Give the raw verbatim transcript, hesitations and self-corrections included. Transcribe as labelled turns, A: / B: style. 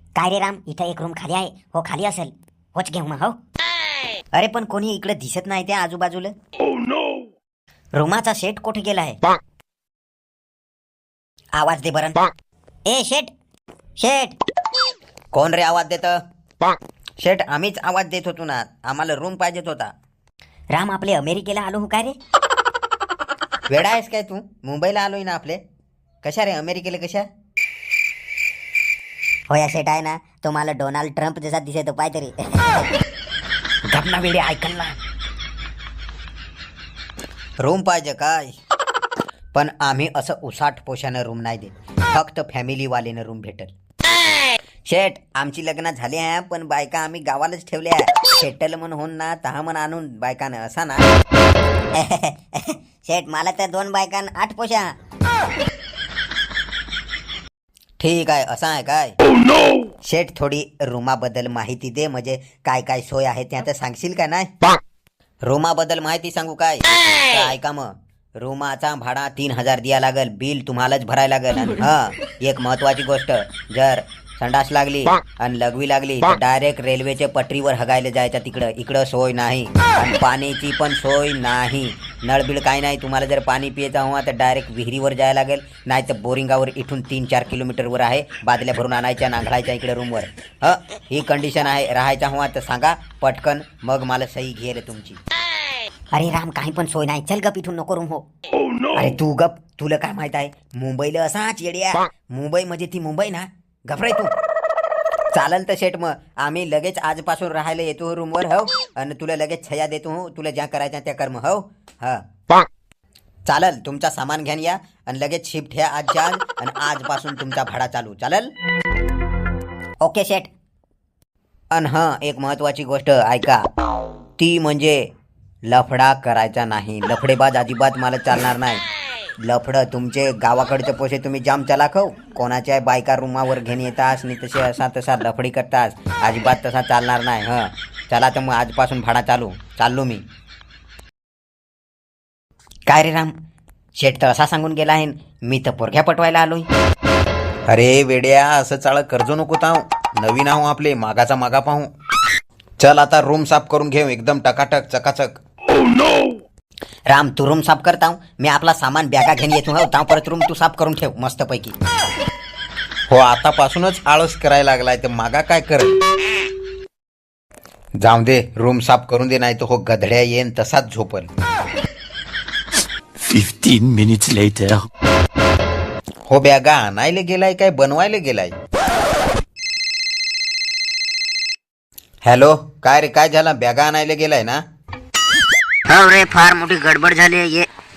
A: काय रे राम, इथं एक रूम खाली आहे. हो खाली असेल, होच घेऊ मग. हो अरे पण कोणी इकडे दिसत नाही त्या आजूबाजूला. रूमाचा शेट कुठे गेला आहे? आवाज दे बरं. ए शेट, शेट.
B: कोण रे आवाज देत? शेठ आम्हीच आवाज देत होतो ना, आम्हाला रूम पाहिजेत होता.
A: राम आपले अमेरिकेला आलो हो काय रे?
B: वेडा आहेस काय तू? मुंबईला आलोय ना आपले. कशा रे अमेरिकेला कशा?
A: हो या शेट आहे ना, तो मला डोनाल्ड ट्रम्प जसा दिसतो पाय तरी.
B: गपना वेडे ऐकल ना. रूम पाहिजे काय? पण आम्ही असं उसाट पोशानं रूम नाही देत, फक्त फॅमिलीवालेनं रूम भेटल. शेठ आमची लग्न झाली आहे, पण बायका आम्ही गावालाच ठेवल्या. शेटल म्हणून ना तहा मन आणून बायकानं असा ना.
A: शेट मला तर दोन बायकां आठ पोशा.
B: ठीक आहे, असं आहे काय? शेठ थोडी रूमाबद्दल माहिती दे, म्हणजे काय काय सोय आहे त्या तर सांगशील का नाही? रूमाबद्दल माहिती सांगू काय? तर ऐका मग, रूमाचा भाडा तीन हजार द्या लागल, बिल तुम्हालाच भरायला लागल. आणि हा एक महत्वाची गोष्ट, जर संडास लागली आणि लघवी लागली तर डायरेक्ट रेल्वेच्या पटरीवर हगायला जायचं. तिकडं इकडं सोय नाही, आणि पाण्याची पण सोय नाही. नळबिळ काही नाही. तुम्हाला जर पाणी पियचं हवा तर डायरेक्ट विहिरीवर जायला लागेल, नाही तर बोरिंगावर इथून तीन चार किलोमीटरवर आहे. बादल्या भरून आणायच्या, नांगळायच्या इकडे रूमवर. ह ही कंडिशन आहे. राहायचा हवा तर सांगा पटकन, मग मला सही घेईल तुमची.
A: अरे राम काही पण सोय नाही, चल गप इथून, नको रूम. हो
B: अरे तू गप, तुला काय माहित आहे मुंबईला असाच येड्या. मुंबई म्हणजे ती मुंबई ना, घबराय तू. चालेल तर शेट, मग आम्ही लगेच आजपासून राहायला येतो रूमवर. हो आणि तुला लगेच छया देतो. हो तुला ज्या करायच्या त्या कर्म. हो हा चालेल, तुमचा सामान घ्यान या आणि लगेच शिफ्ट ह्या आज जाल, आणि आजपासून तुमचा भाडा चालू. चालेल?
A: ओके शेट.
B: अन हा एक महत्वाची गोष्ट ऐका, ती म्हणजे लफडा करायचा नाही. लफडेबाज अजिबात मला चालणार नाही. लफडं तुमचे गावाकडचे पोसे तुम्ही जाम चलाख हो, कोणाच्या बायका रूमावर घेऊन येतास आणि तसे असा तसा लफडी करतास, अजिबात तसा चालणार नाही. हं चला तर मग आजपासून भाडा चालू. चाललो मी.
A: काय रे राम,
B: शेठ तर असा सांगून गेला आहे, मी तर पोरघ्या पटवायला आलोय. अरे वेड्या, असं चाळ कर्ज नको ताव. नवीन आहो आपले, मागाचा मागा पाहू. चल आता रूम साफ करून घेऊ, एकदम टकाटक चकाचक.
A: राम तू रूम साफ करता हूं, मी आपला सामान बॅगा घेऊन येतो. हो ताव परत रूम तू साफ करून ठेव मस्त पैकी.
B: हो आतापासूनच आळस करायला लागलाय तर मागा काय कर. जाऊ दे, रूम साफ करून दे, नाही तर हो गधड्या येईन तसाच झोपल.
C: Fifteen minutes later.
B: हो बॅगा आणायला गेलाय काय बनवायला गेलाय? हॅलो, काय रे काय झालं? बॅगा आणायला गेलाय ना?
A: हो रे, फार मोठी गडबड झाली. ये